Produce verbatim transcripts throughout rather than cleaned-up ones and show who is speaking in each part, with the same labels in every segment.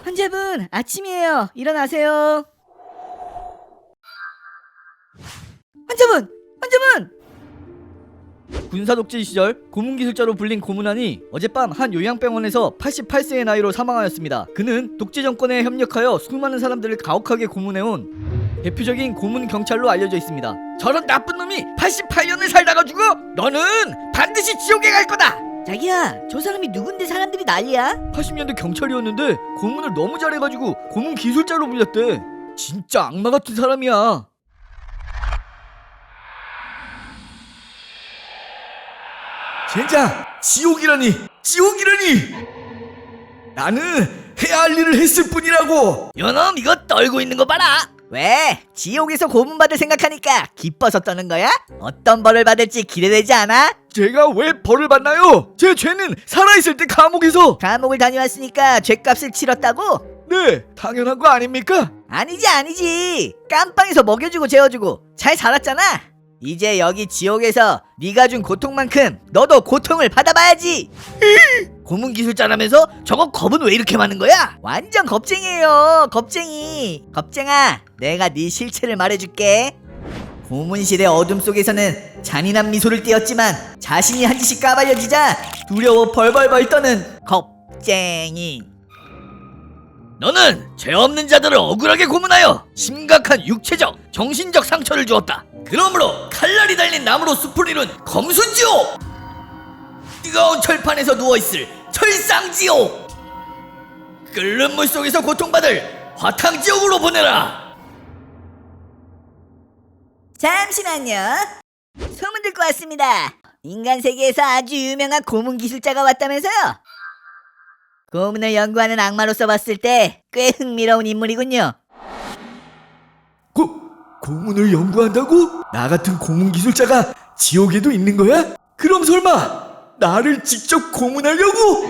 Speaker 1: 환자분, 아침이에요. 일어나세요. 환자분! 환자분!
Speaker 2: 군사독재 시절 고문기술자로 불린 고문환이 어젯밤 한 요양병원에서 팔십팔 세의 나이로 사망하였습니다. 그는 독재 정권에 협력하여 수많은 사람들을 가혹하게 고문해온 대표적인 고문 경찰로 알려져 있습니다. 저런 나쁜 놈이 팔십팔 년을 살다가 죽어? 너는 반드시 지옥에 갈 거다!
Speaker 1: 자기야, 저 사람이 누군데 사람들이 난리야?
Speaker 2: 팔십 년대 경찰이었는데 고문을 너무 잘해가지고 고문 기술자로 불렸대. 진짜 악마 같은 사람이야.
Speaker 3: 젠장! 지옥이라니! 지옥이라니! 나는 해야 할 일을 했을 뿐이라고!
Speaker 2: 요놈 이거 떨고 있는 거 봐라.
Speaker 1: 왜? 지옥에서 고문받을 생각하니까 기뻐서 떠는 거야? 어떤 벌을 받을지 기대되지 않아?
Speaker 3: 제가 왜 벌을 받나요? 제 죄는 살아있을 때 감옥에서!
Speaker 1: 감옥을 다녀왔으니까 죄값을 치렀다고?
Speaker 3: 네! 당연한 거 아닙니까?
Speaker 1: 아니지 아니지. 깜빵에서 먹여주고 재워주고 잘 살았잖아. 이제 여기 지옥에서 네가 준 고통만큼 너도 고통을 받아봐야지.
Speaker 2: 고문 기술자라면서 저거 겁은 왜 이렇게 많은 거야?
Speaker 1: 완전 겁쟁이에요. 겁쟁이. 겁쟁아, 내가 네 실체를 말해줄게. 고문실의 어둠 속에서는 잔인한 미소를 띄었지만 자신이 한 짓이 까발려지자 두려워 벌벌벌 떠는 겁쟁이.
Speaker 2: 너는 죄 없는 자들을 억울하게 고문하여 심각한 육체적, 정신적 상처를 주었다. 그러므로 칼날이 달린 나무로 숲을 이룬 검순지옥! 뜨거운 철판에서 누워있을 철상지옥! 끓는 물 속에서 고통받을 화탕지옥으로 보내라!
Speaker 1: 잠시만요. 소문 듣고 왔습니다. 인간 세계에서 아주 유명한 고문 기술자가 왔다면서요? 고문을 연구하는 악마로서 봤을 때 꽤 흥미로운 인물이군요.
Speaker 3: 고, 고문을 연구한다고? 나 같은 고문 기술자가 지옥에도 있는 거야? 그럼 설마 나를 직접 고문하려고?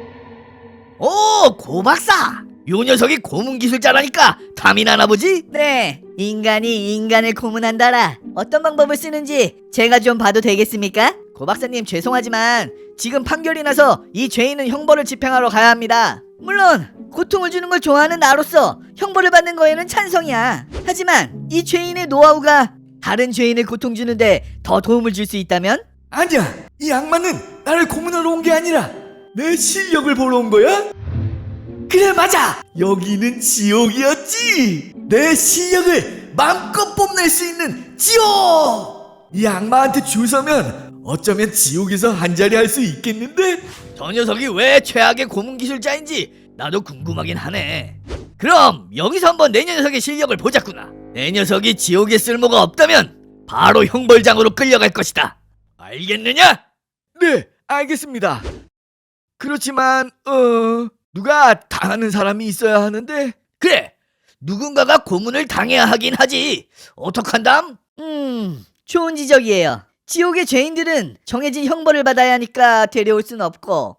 Speaker 2: 오, 고박사! 요 녀석이 고문 기술자라니까 탐이 나나 보지?
Speaker 1: 네, 인간이 인간을 고문한다라. 어떤 방법을 쓰는지 제가 좀 봐도 되겠습니까? 고 박사님, 죄송하지만 지금 판결이 나서 이 죄인은 형벌을 집행하러 가야 합니다. 물론 고통을 주는 걸 좋아하는 나로서 형벌을 받는 거에는 찬성이야. 하지만 이 죄인의 노하우가 다른 죄인을 고통 주는데 더 도움을 줄 수 있다면?
Speaker 3: 아니야! 이 악마는 나를 고문하러 온 게 아니라 내 실력을 보러 온 거야? 그래, 맞아! 여기는 지옥이었지! 내 실력을 마음껏 뽐낼 수 있는 지옥! 이 악마한테 줄 서면 어쩌면 지옥에서 한자리 할 수 있겠는데?
Speaker 2: 저 녀석이 왜 최악의 고문 기술자인지 나도 궁금하긴 하네. 그럼 여기서 한번 내 녀석의 실력을 보자꾸나. 내 녀석이 지옥에 쓸모가 없다면 바로 형벌장으로 끌려갈 것이다. 알겠느냐?
Speaker 3: 네, 알겠습니다. 그렇지만 어... 누가 당하는 사람이 있어야 하는데.
Speaker 2: 그래, 누군가가 고문을 당해야 하긴 하지. 어떡한담?
Speaker 1: 음, 좋은 지적이에요. 지옥의 죄인들은 정해진 형벌을 받아야 하니까 데려올 순 없고.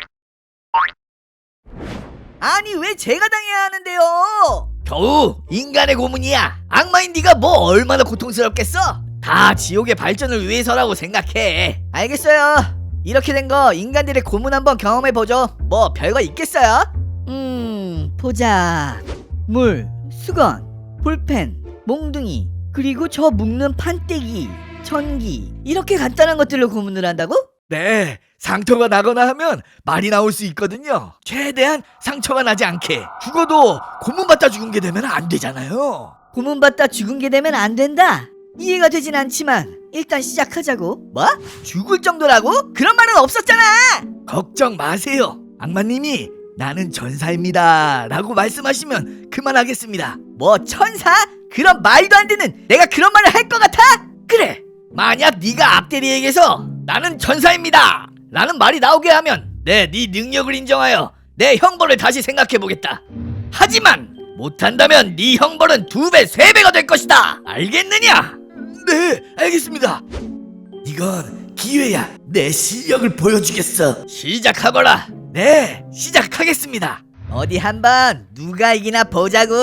Speaker 1: 아니, 왜 제가 당해야 하는데요?
Speaker 2: 겨우 인간의 고문이야. 악마인 네가 뭐 얼마나 고통스럽겠어? 다 지옥의 발전을 위해서라고 생각해.
Speaker 1: 알겠어요. 이렇게 된 거 인간들의 고문 한번 경험해보죠. 뭐 별거 있겠어요? 음, 보자. 물, 수건, 볼펜, 몽둥이, 그리고 저 묶는 판때기, 전기, 이렇게 간단한 것들로 고문을 한다고?
Speaker 3: 네, 상처가 나거나 하면 말이 나올 수 있거든요. 최대한 상처가 나지 않게. 죽어도 고문받다 죽은 게 되면 안 되잖아요.
Speaker 1: 고문받다 죽은 게 되면 안 된다. 이해가 되진 않지만 일단 시작하자고. 뭐? 죽을 정도라고? 그런 말은 없었잖아.
Speaker 3: 걱정 마세요. 악마님이 나는 전사입니다 라고 말씀하시면 그만하겠습니다.
Speaker 1: 뭐 천사? 그런 말도 안 되는, 내가 그런 말을 할 것 같아?
Speaker 2: 그래, 만약 네가 앞대리에게서 나는 전사입니다 라는 말이 나오게 하면 내 네 능력을 인정하여 내 형벌을 다시 생각해보겠다. 하지만 못한다면 네 형벌은 두 배, 세 배가 될 것이다. 알겠느냐?
Speaker 3: 네, 알겠습니다. 이건 기회야. 내 실력을 보여주겠어.
Speaker 2: 시작하거라.
Speaker 3: 네, 시작하겠습니다.
Speaker 1: 어디 한번 누가 이기나 보자고.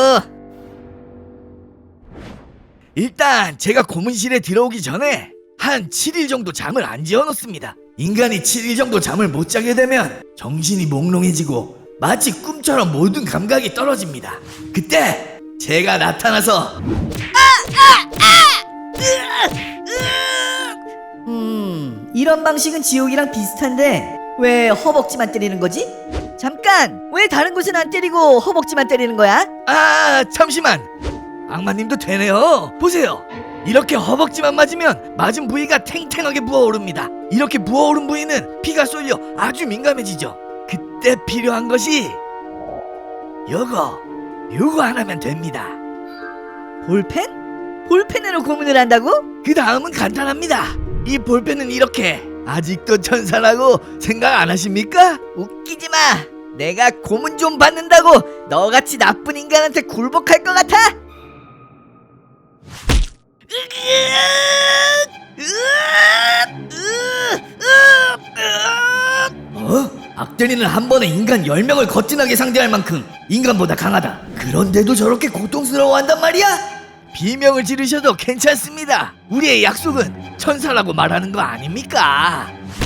Speaker 3: 일단 제가 고문실에 들어오기 전에 한 칠 일 정도 잠을 안 지어놓습니다. 인간이 칠 일 정도 잠을 못 자게 되면 정신이 몽롱해지고 마치 꿈처럼 모든 감각이 떨어집니다. 그때 제가 나타나서
Speaker 1: 음, 이런 방식은 지옥이랑 비슷한데 왜 허벅지만 때리는 거지? 잠깐! 왜 다른 곳은 안 때리고 허벅지만 때리는 거야?
Speaker 3: 아 잠시만, 악마님도 되네요. 보세요, 이렇게 허벅지만 맞으면 맞은 부위가 탱탱하게 부어오릅니다. 이렇게 부어오른 부위는 피가 쏠려 아주 민감해지죠. 그때 필요한 것이 요거 요거 하나면 됩니다.
Speaker 1: 볼펜? 볼펜으로 고문을 한다고?
Speaker 3: 그 다음은 간단합니다. 이 볼펜은 이렇게. 아직도 천사라고 생각 안 하십니까?
Speaker 1: 웃기지 마! 내가 고문 좀 받는다고 너같이 나쁜 인간한테 굴복할 것 같아?
Speaker 3: 어? 악대리는 한 번에 인간 열 명을 거친하게 상대할 만큼 인간보다 강하다. 그런데도 저렇게 고통스러워한단 말이야? 비명을 지르셔도 괜찮습니다. 우리의 약속은 천사라고 말하는 거 아닙니까?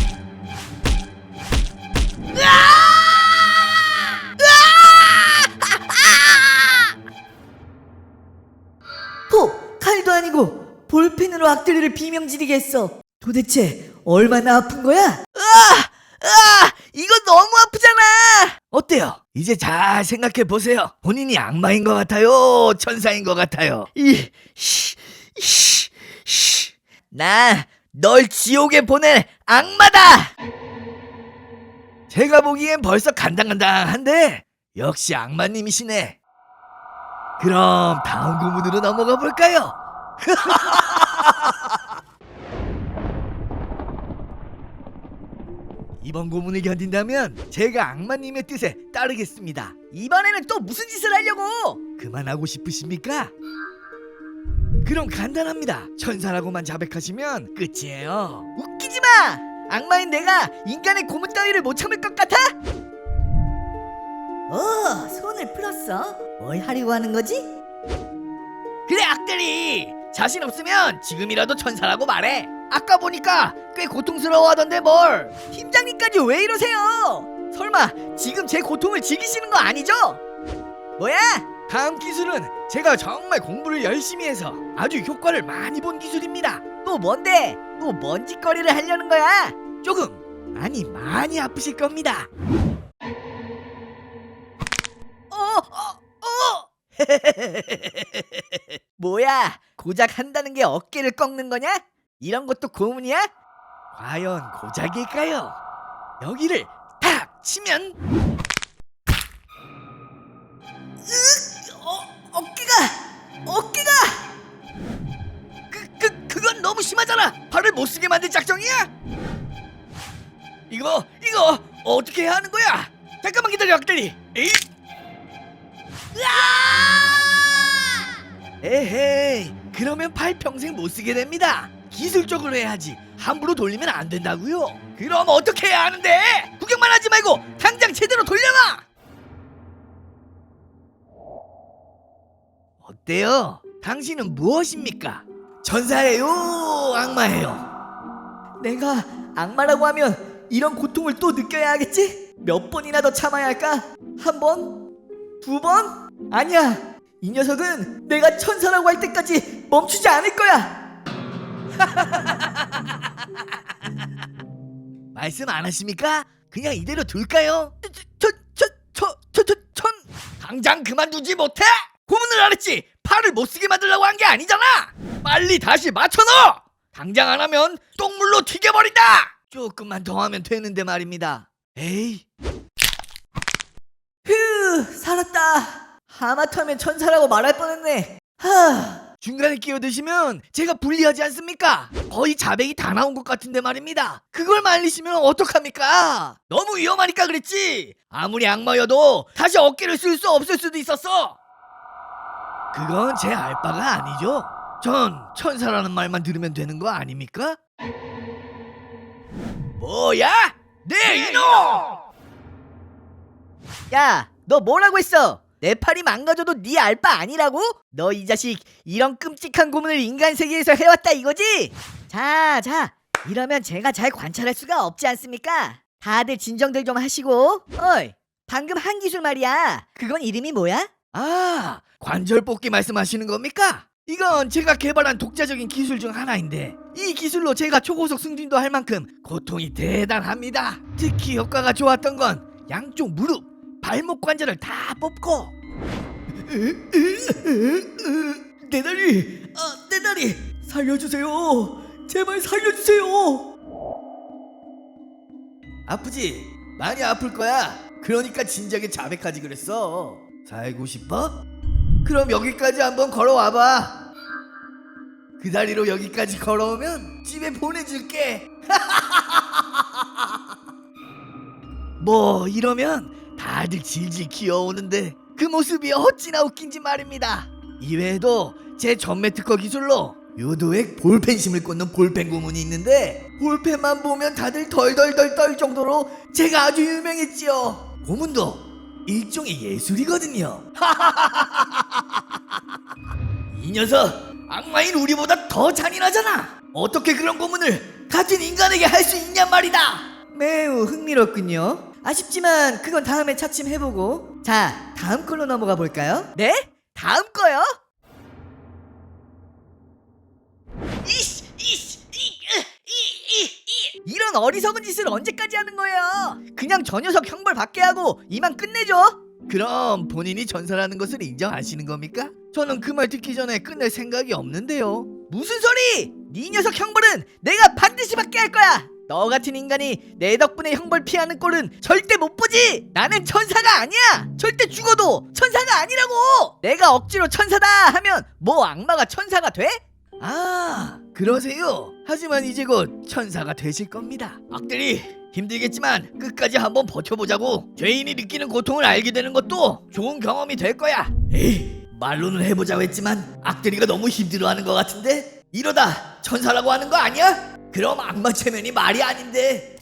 Speaker 1: 호! 칼도 아니고 볼펜으로 악들이를 비명지르게 했어. 도대체 얼마나 아픈 거야? 으아! 으아! 이거 너무 아프잖아!
Speaker 3: 어때요? 이제 잘 생각해 보세요. 본인이 악마인 것 같아요? 천사인 것 같아요?
Speaker 1: 이, 씨, 씨, 씨. 나 널 지옥에 보낼 악마다!
Speaker 3: 제가 보기엔 벌써 간당간당한데 역시 악마님이시네. 그럼 다음 고문으로 넘어가 볼까요? 이번 고문을 견딘다면 제가 악마님의 뜻에 따르겠습니다.
Speaker 1: 이번에는 또 무슨 짓을 하려고?
Speaker 3: 그만하고 싶으십니까? 그럼 간단합니다. 천사라고만 자백하시면 끝이에요.
Speaker 1: 웃기지 마! 악마인 내가 인간의 고문 따위를 못 참을 것 같아? 어, 손을 풀었어. 뭘 하려고 하는 거지?
Speaker 2: 그래 악대리, 자신 없으면 지금이라도 천사라고 말해. 아까 보니까 꽤 고통스러워하던데 뭘.
Speaker 1: 팀장님까지 왜 이러세요? 설마 지금 제 고통을 즐기시는 거 아니죠? 뭐야?
Speaker 3: 다음 기술은 제가 정말 공부를 열심히 해서 아주 효과를 많이 본 기술입니다.
Speaker 1: 또 뭔데? 또 뭔 짓거리를 하려는 거야?
Speaker 3: 조금, 아니 많이 아프실 겁니다.
Speaker 1: 어, 어, 어! 뭐야? 고작 한다는 게 어깨를 꺾는 거냐? 이런 것도 고문이야?
Speaker 3: 과연 고작일까요? 여기를 탁 치면
Speaker 1: 어, 어깨가! 어깨가!
Speaker 2: 그, 그, 그건 너무 심하잖아. 팔을 못 쓰게 만들 작정이야? 이거 이거 어떻게 해야 하는 거야? 잠깐만 기다려 악대리. 에이?
Speaker 3: 에헤이, 그러면 팔 평생 못 쓰게 됩니다. 기술적으로 해야지 함부로 돌리면 안 된다고요.
Speaker 2: 그럼 어떻게 해야 하는데? 구경만 하지 말고 당장 제대로 돌려놔.
Speaker 3: 어때요? 당신은 무엇입니까? 천사예요? 악마예요?
Speaker 1: 내가 악마라고 하면 이런 고통을 또 느껴야 하겠지? 몇 번이나 더 참아야 할까? 한 번? 두 번? 아니야! 이 녀석은 내가 천사라고 할 때까지 멈추지 않을 거야!
Speaker 3: 말씀 안 하십니까? 그냥 이대로 둘까요?
Speaker 2: 천천천천천 당장 그만두지 못해? 고문을 안 했지. 팔을 못 쓰게 만들려고 한 게 아니잖아. 빨리 다시 맞춰넣어. 당장 안 하면 똥물로 튀겨버린다.
Speaker 3: 조금만 더 하면 되는데 말입니다. 에이,
Speaker 1: 휴! 살았다! 하마터면 천사라고 말할 뻔했네. 하...
Speaker 3: 중간에 끼어드시면 제가 불리하지 않습니까? 거의 자백이 다 나온 것 같은데 말입니다. 그걸 말리시면 어떡합니까?
Speaker 2: 너무 위험하니까 그랬지. 아무리 악마여도 다시 어깨를 쓸 수 없을 수도 있었어.
Speaker 3: 그건 제 알바가 아니죠. 전 천사라는 말만 들으면 되는 거 아닙니까?
Speaker 2: 뭐야? 네 이놈!
Speaker 1: 야, 너 뭐라고 했어? 내 팔이 망가져도 네 알바 아니라고? 너 이 자식 이런 끔찍한 고문을 인간 세계에서 해왔다 이거지? 자, 자, 이러면 제가 잘 관찰할 수가 없지 않습니까? 다들 진정들 좀 하시고. 어이, 방금 한 기술 말이야. 그건 이름이 뭐야?
Speaker 2: 아, 관절 뽑기 말씀하시는 겁니까? 이건 제가 개발한 독자적인 기술 중 하나인데 이 기술로 제가 초고속 승진도 할 만큼 고통이 대단합니다. 특히 효과가 좋았던 건 양쪽 무릎, 발목 관절을 다 뽑고
Speaker 3: 내 다리, 아, 내 다리 살려주세요. 제발 살려주세요.
Speaker 2: 아프지? 많이 아플 거야. 그러니까 진작에 자백하지 그랬어. 살고 싶어? 그럼 여기까지 한번 걸어와봐. 그 다리로 여기까지 걸어오면 집에 보내줄게. 뭐 이러면 다들 질질 기어오는데 그 모습이 어찌나 웃긴지 말입니다. 이외에도 제 전매 특허 기술로 유도액 볼펜심을 꽂는 볼펜 고문이 있는데 볼펜만 보면 다들 덜덜덜 떨 정도로 제가 아주 유명했지요. 고문도 일종의 예술이거든요. 이 녀석 악마인 우리보다 더 잔인하잖아. 어떻게 그런 고문을 같은 인간에게 할 수 있냔 말이다.
Speaker 1: 매우 흥미롭군요. 아쉽지만 그건 다음에 차츰해보고. 자, 다음 걸로 넘어가 볼까요? 네? 다음 거요? 이씨, 이씨, 이, 이, 이, 이. 이런 어리석은 짓을 언제까지 하는 거예요? 그냥 저 녀석 형벌 받게 하고 이만 끝내죠.
Speaker 2: 그럼 본인이 전사라는 것을 인정하시는 겁니까? 저는 그 말 듣기 전에 끝낼 생각이 없는데요.
Speaker 1: 무슨 소리! 네 녀석 형벌은 내가 반드시 받게 할 거야. 너 같은 인간이 내 덕분에 형벌 피하는 꼴은 절대 못 보지. 나는 천사가 아니야. 절대 죽어도 천사가 아니라고. 내가 억지로 천사다 하면 뭐 악마가 천사가 돼?
Speaker 2: 아, 그러세요? 하지만 이제 곧 천사가 되실 겁니다. 악들이 힘들겠지만 끝까지 한번 버텨보자고. 죄인이 느끼는 고통을 알게 되는 것도 좋은 경험이 될 거야. 에이, 말로는 해보자고 했지만 악들이가 너무 힘들어하는 것 같은데 이러다 천사라고 하는 거 아니야? 그럼 악마 체면이 말이 아닌데.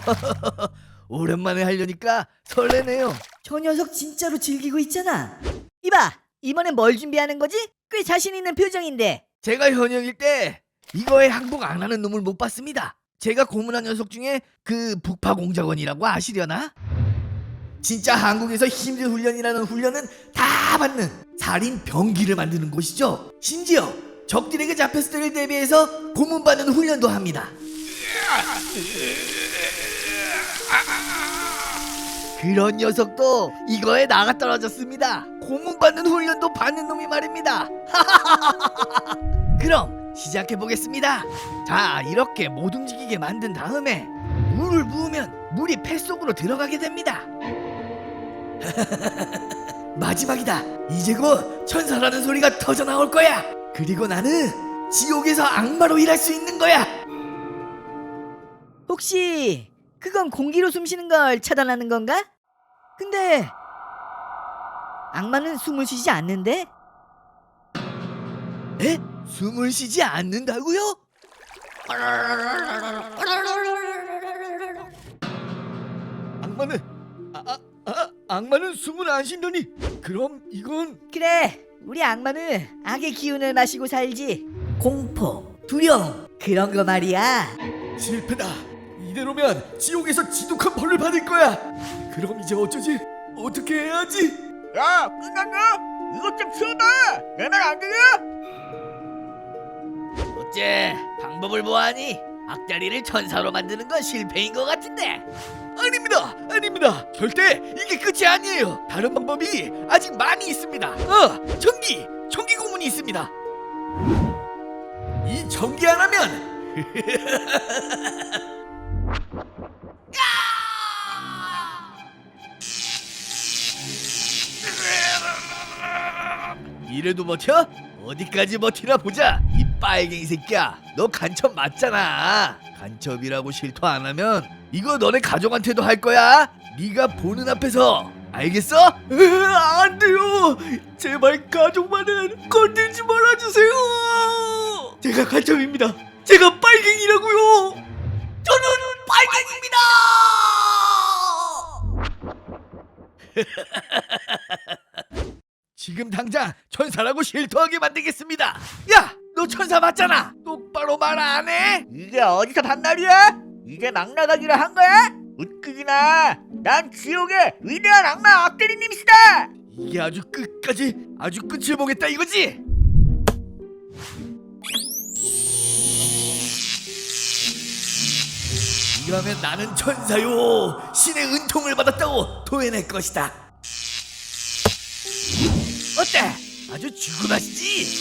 Speaker 2: 오랜만에 하려니까 설레네요.
Speaker 1: 저 녀석 진짜로 즐기고 있잖아. 이봐, 이번엔 뭘 준비하는 거지? 꽤 자신 있는 표정인데.
Speaker 2: 제가 현역일 때 이거에 항복 안 하는 놈을 못 봤습니다. 제가 고문한 녀석 중에 그 북파공작원이라고 아시려나? 진짜 한국에서 힘든 훈련이라는 훈련은 다 받는 살인 병기를 만드는 곳이죠. 심지어 적들에게 잡혔을 때를 대비해서 고문받는 훈련도 합니다. 그런 녀석도 이거에 나가 떨어졌습니다. 고문받는 훈련도 받는 놈이 말입니다. 그럼 시작해보겠습니다. 자, 이렇게 못 움직이게 만든 다음에 물을 부으면 물이 폐 속으로 들어가게 됩니다. 마지막이다. 이제 곧 천사라는 소리가 터져 나올 거야. 그리고 나는 지옥에서 악마로 일할 수 있는 거야.
Speaker 1: 혹시 그건 공기로 숨쉬는 걸 차단하는 건가? 근데 악마는 숨을 쉬지 않는데?
Speaker 2: 에? 숨을 쉬지 않는다고요? 악마는 아, 아, 아, 악마는 숨을 안 쉰다니. 그럼 이건
Speaker 1: 그래, 우리 악마는 악의 기운을 마시고 살지. 공포, 두려움, 그런 거 말이야.
Speaker 3: 실패다. 이대로면 지옥에서 지독한 벌을 받을 거야. 그럼 이제 어쩌지? 어떻게 해야지?
Speaker 2: 야, 끝났냐? 이것 좀 치워봐. 내 말 안 들려? 어째 방법을 보아하니 악다리를 천사로 만드는 건 실패인 것 같은데.
Speaker 3: 아닙니다. 아닙니다. 절대 이게 끝이 아니에요. 다른 방법이 아직 많이 있습니다. 어, 전기. 전기 고문이 있습니다. 이 전기 하나면
Speaker 2: 이래도 버텨? 어디까지 버티나 보자. 이 빨갱이 새끼야, 너 간첩 맞잖아. 간첩이라고 실토 안 하면 이거 너네 가족한테도 할 거야. 네가 보는 앞에서. 알겠어?
Speaker 3: 으, 안 돼요. 제발 가족만은 건들지 말아주세요. 제가 간첩입니다. 제가 빨갱이라고요.
Speaker 2: 저는 빨갱입니다. 지금 당장 천사라고 실토하게 만들겠습니다. 야, 너 천사 맞잖아. 똑바로 말 안 해?
Speaker 1: 이게 어디서 반말이야? 이제 막 나가기로 한 거야? 웃기기나. 난 지옥의 위대한 악마 악대리님이시다.
Speaker 3: 이게 아주 끝까지 아주 끝을 보겠다 이거지? 이러면 나는 천사요 신의 은총을 받았다고 토해낼 것이다. 어때? 아주 죽음하시지?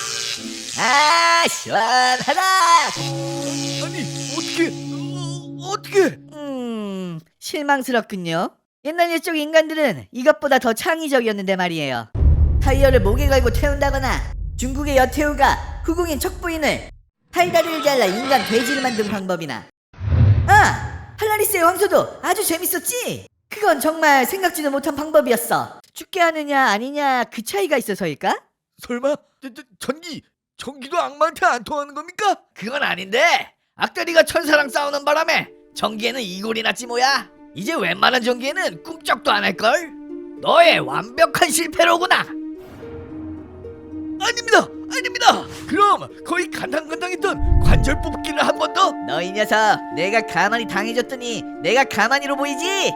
Speaker 1: 아 시원하다.
Speaker 3: 아니 어떻게 어, 어떻게?
Speaker 1: 음 실망스럽군요. 옛날 옛적 인간들은 이것보다 더 창의적이었는데 말이에요. 타이어를 목에 걸고 태운다거나 중국의 여태우가 후궁인 척부인을 팔다리를 잘라 인간 돼지를 만든 방법이나 아! 팔라리스의 황소도 아주 재밌었지? 그건 정말 생각지도 못한 방법이었어. 죽게 하느냐 아니냐 그 차이가 있어서일까?
Speaker 3: 설마 저, 저, 전기 전기도 악마한테 안 통하는 겁니까?
Speaker 2: 그건 아닌데 악다리가 천사랑 싸우는 바람에 전기에는 이골이 났지 뭐야. 이제 웬만한 전기에는 꿈쩍도 안 할걸? 너의 완벽한 실패로구나.
Speaker 3: 아닙니다 아닙니다. 그럼 거의 간당간당했던 관절 뽑기를 한 번 더?
Speaker 1: 너 이 녀석 내가 가만히 당해줬더니 내가 가만히로 보이지?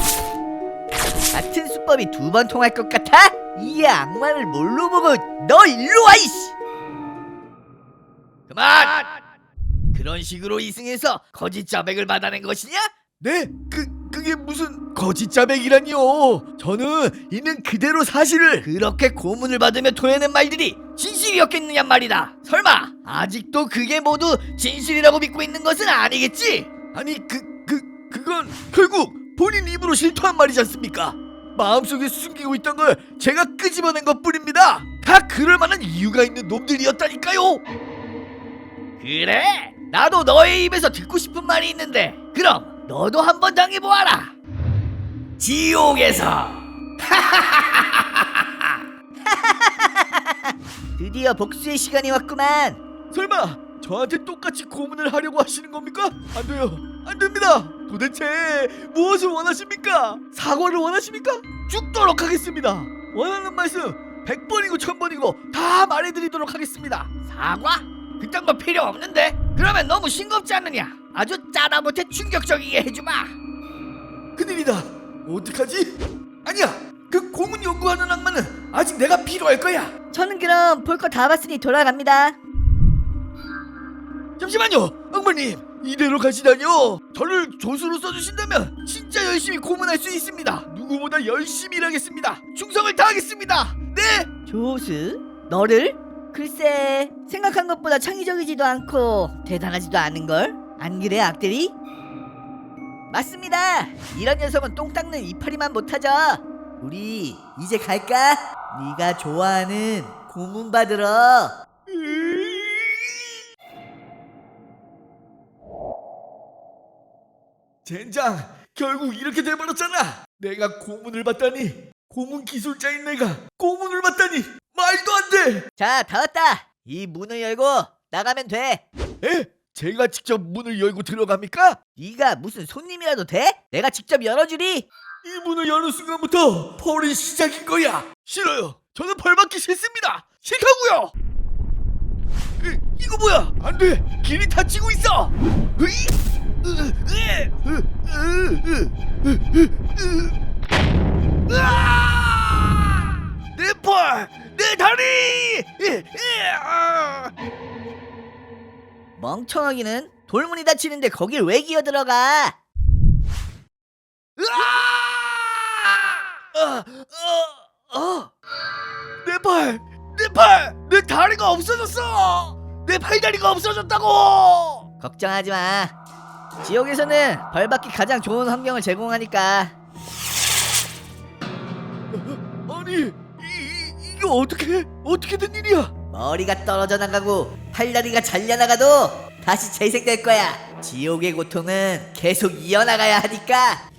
Speaker 1: 같은 수법이 두 번 통할 것 같아? 이 악마를 뭘로 보고 너 일로 와 이씨!
Speaker 2: 그만! 그런 식으로 이승해서 거짓 자백을 받아낸 것이냐?
Speaker 3: 네? 그 그게 무슨 거짓 자백이라니요. 저는 있는 그대로 사실을
Speaker 2: 그렇게 고문을 받으며 토해낸 말들이 진실이었겠느냐 말이다. 설마 아직도 그게 모두 진실이라고 믿고 있는 것은 아니겠지?
Speaker 3: 아니 그 그 그건 결국 본인 입으로 실토한 말이지 않습니까? 마음속에 숨기고 있던 걸 제가 끄집어낸 것뿐입니다. 다 그럴 만한 이유가 있는 놈들이었다니까요.
Speaker 2: 그래? 나도 너의 입에서 듣고 싶은 말이 있는데 그럼 너도 한번 당해보아라. 지옥에서.
Speaker 1: 드디어 복수의 시간이 왔구만.
Speaker 3: 설마 저한테 똑같이 고문을 하려고 하시는 겁니까? 안 돼요. 안 됩니다. 도대체 무엇을 원하십니까? 사과를 원하십니까? 죽도록 하겠습니다. 원하는 말씀 백 번이고 천 번이고 다 말해드리도록 하겠습니다.
Speaker 2: 사과? 그딴 거 필요 없는데? 그러면 너무 싱겁지 않느냐? 아주 짜다 못해 충격적이게 해주마.
Speaker 3: 큰일이다. 어떡하지? 아니야. 그 고문 연구하는 악마는 아직 내가 필요할 거야.
Speaker 1: 저는 그럼 볼 거 다 봤으니 돌아갑니다.
Speaker 3: 잠시만요. 악마님. 이대로 가시다니요. 저를 조수로 써주신다면 진짜 열심히 고문할 수 있습니다. 누구보다 열심히 일하겠습니다. 충성을 다하겠습니다. 네.
Speaker 1: 조수? 너를? 글쎄 생각한 것보다 창의적이지도 않고 대단하지도 않은걸? 안 그래 악들이? 맞습니다. 이런 녀석은 똥 닦는 이파리만 못하죠. 우리 이제 갈까? 네가 좋아하는 고문 받으러.
Speaker 3: 젠장. 결국 이렇게 돼버렸잖아. 내가 고문을 받다니. 고문 기술자인 내가 고문을 받다니. 말도 안 돼.
Speaker 1: 자 다 왔다. 이 문을 열고 나가면 돼.
Speaker 3: 에? 제가 직접 문을 열고 들어갑니까?
Speaker 1: 네가 무슨 손님이라도 돼? 내가 직접 열어주리.
Speaker 3: 이 문을 여는 순간부터 펄이 시작인 거야. 싫어요. 저는 벌 받기 싫습니다. 싫다고요. 이, 이거 뭐야? 안 돼. 길이 닫히고 있어. 으이! 으, 으, 으, 으, 으, 으, 으. 으아! 내 펄! 내 다리! 으, 으, 아!
Speaker 1: 멍청하기는 돌문이 닫히는데 거길 왜 기어들어가?
Speaker 3: 으아! 아, 어, 어. 내 팔! 내 팔! 내 다리가 없어졌어! 내 팔다리가 없어졌다고!
Speaker 1: 걱정하지 마. 지옥에서는 벌받기 가장 좋은 환경을 제공하니까.
Speaker 3: 아니, 이, 이, 이게 어떻게, 어떻게 된 일이야?
Speaker 1: 머리가 떨어져 나가고 팔다리가 잘려나가도 다시 재생될 거야. 지옥의 고통은 계속 이어나가야 하니까.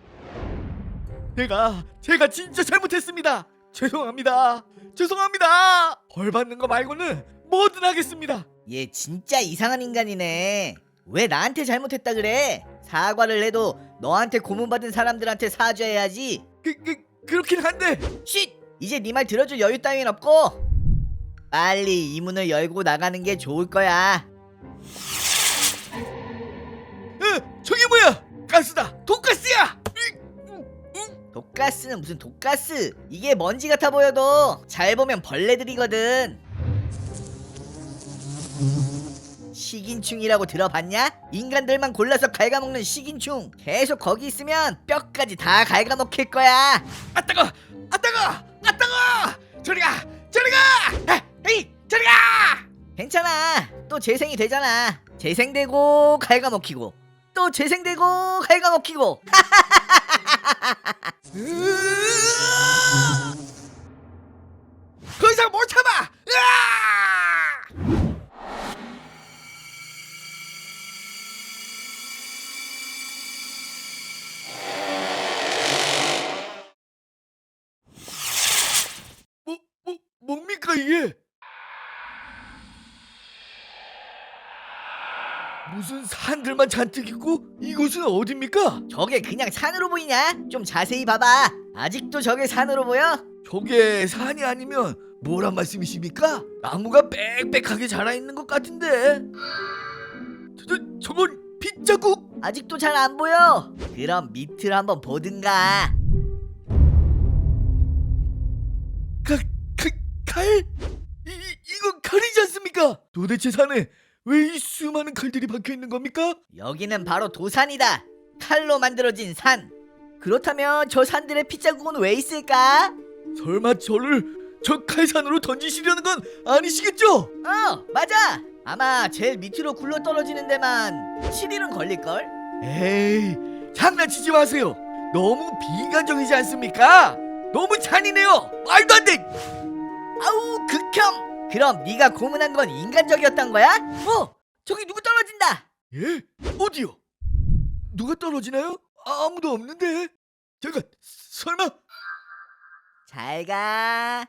Speaker 3: 내가, 제가 진짜 잘못했습니다. 죄송합니다. 죄송합니다. 벌 받는 거 말고는 뭐든 하겠습니다.
Speaker 1: 얘 진짜 이상한 인간이네. 왜 나한테 잘못했다 그래? 사과를 해도 너한테 고문받은 사람들한테 사죄해야지.
Speaker 3: 그, 그, 그렇긴 한데.
Speaker 1: 쉿! 이제 네 말 들어줄 여유 따윈 없고 빨리 이 문을 열고 나가는 게 좋을 거야.
Speaker 3: 으, 저게 뭐야? 가스다. 돈가스야. 으,
Speaker 1: 독가스는 무슨 독가스? 이게 먼지 같아 보여도 잘 보면 벌레들이거든. 식인충이라고 들어봤냐? 인간들만 골라서 갉아먹는 식인충. 계속 거기 있으면 뼈까지 다 갉아먹힐 거야.
Speaker 3: 아 따가, 아 따가, 아 따가. 저리 가, 저리 가. 아, 에이, 저리 가.
Speaker 1: 괜찮아. 또 재생이 되잖아. 재생되고 갉아먹히고 또 재생되고 갉아먹히고.
Speaker 3: 더 이상 못 참아. 으아! 뭐, 뭐, 뭡니까 이게? 무슨 산들만 잔뜩 있고 이곳은 어딥니까?
Speaker 1: 저게 그냥 산으로 보이냐? 좀 자세히 봐봐. 아직도 저게 산으로 보여?
Speaker 3: 저게 산이 아니면 뭐란 말씀이십니까? 나무가 빽빽하게 자라있는 것 같은데. 저, 저, 저건 빗자국?
Speaker 1: 아직도 잘 안 보여. 그럼 밑을 한번 보든가.
Speaker 3: 가, 가, 칼? 이, 이, 이건 칼이지 않습니까? 도대체 산에 왜 이 수많은 칼들이 박혀있는 겁니까?
Speaker 1: 여기는 바로 도산이다. 칼로 만들어진 산. 그렇다면 저 산들의 핏자국은 왜 있을까?
Speaker 3: 설마 저를 저 칼산으로 던지시려는 건 아니시겠죠?
Speaker 1: 어, 맞아. 아마 제일 밑으로 굴러 떨어지는 데만 칠 일은 걸릴걸?
Speaker 3: 에이, 장난치지 마세요. 너무 비인간적이지 않습니까? 너무 잔인해요. 말도 안 돼.
Speaker 1: 아우, 극혐. 그럼 네가 고문한 건 인간적이었단 거야? 어, 저기 누구 떨어진다.
Speaker 3: 예? 어디요? 누가 떨어지나요? 아무도 없는데. 잠깐, 설마?
Speaker 1: 잘 가.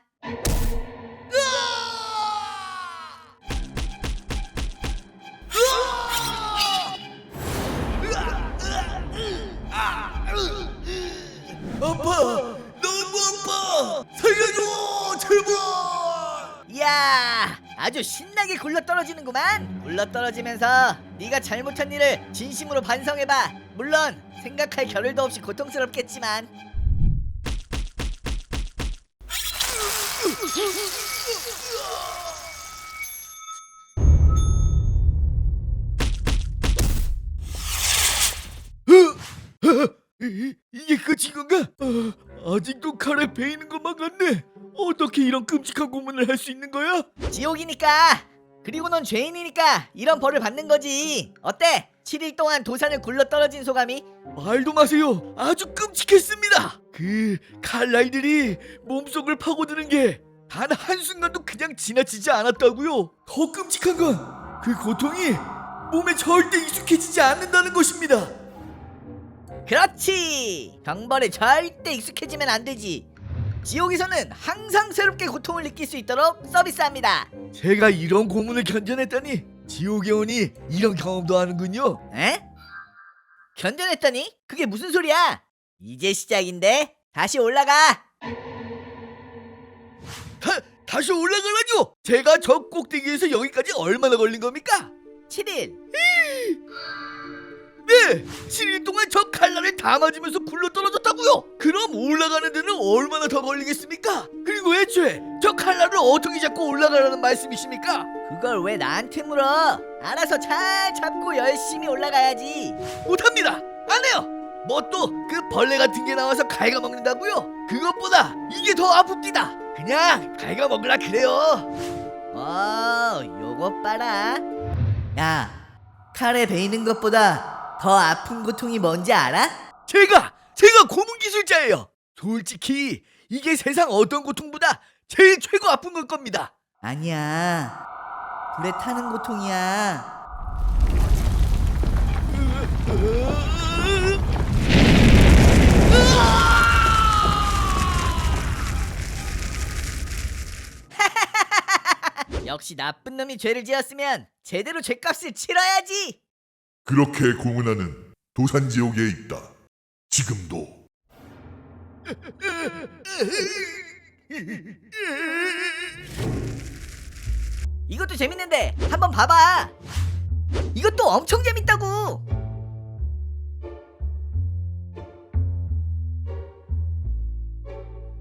Speaker 3: 아파! 너무 아파! 살려줘! 제발!
Speaker 1: 이야, 아주 신나게 굴러 떨어지는구만. 굴러 떨어지면서 네가 잘못한 일을 진심으로 반성해봐. 물론 생각할 겨를도 없이 고통스럽겠지만.
Speaker 3: 이, 이게 끝인 건가? 아, 아직도 칼에 베이는 것만 같네. 어떻게 이런 끔찍한 고문을 할 수 있는 거야?
Speaker 1: 지옥이니까. 그리고 넌 죄인이니까 이런 벌을 받는 거지. 어때? 칠 일 동안 도산을 굴러 떨어진 소감이?
Speaker 3: 말도 마세요. 아주 끔찍했습니다. 그 칼날들이 몸속을 파고드는 게 단 한순간도 그냥 지나치지 않았다고요. 더 끔찍한 건 그 고통이 몸에 절대 익숙해지지 않는다는 것입니다.
Speaker 1: 그렇지. 경벌에 절대 익숙해지면 안 되지. 지옥에서는 항상 새롭게 고통을 느낄 수 있도록 서비스합니다.
Speaker 3: 제가 이런 고문을 견뎌냈다니 지옥에 오니 이런 경험도 하는군요.
Speaker 1: 에? 견뎌냈다니? 그게 무슨 소리야? 이제 시작인데 다시 올라가.
Speaker 3: 다, 다시 올라가라뇨. 제가 저 꼭대기에서 여기까지 얼마나 걸린 겁니까?
Speaker 1: 칠 일.
Speaker 3: 네, 칠 일 동안 저 칼날을 다 맞으면서 굴러 떨어졌다고요. 그럼 올라가는 데는 얼마나 더 걸리겠습니까? 그리고 애초에 저 칼날을 어떻게 잡고 올라가라는 말씀이십니까?
Speaker 1: 그걸 왜 나한테 물어? 알아서 잘 잡고 열심히 올라가야지.
Speaker 3: 못합니다. 안 해요. 뭐 또 그 벌레 같은 게 나와서 갉아먹는다고요? 그것보다 이게 더 아픕니다. 그냥 갉아먹으라 그래요.
Speaker 1: 어, 요것 봐라. 야, 칼에 베이는 것보다 더 아픈 고통이 뭔지 알아?
Speaker 3: 제가 제가 고문 기술자예요. 솔직히 이게 세상 어떤 고통보다 제일 최고 아픈 걸 겁니다.
Speaker 1: 아니야. 불에 타는 고통이야. 역시 나쁜 놈이 죄를 지었으면 제대로 죄값을 치러야지.
Speaker 4: 그렇게 고문하는 도산지옥에 있다. 지금도.
Speaker 1: 이것도 재밌는데 한번 봐봐. 이것도 엄청 재밌다고.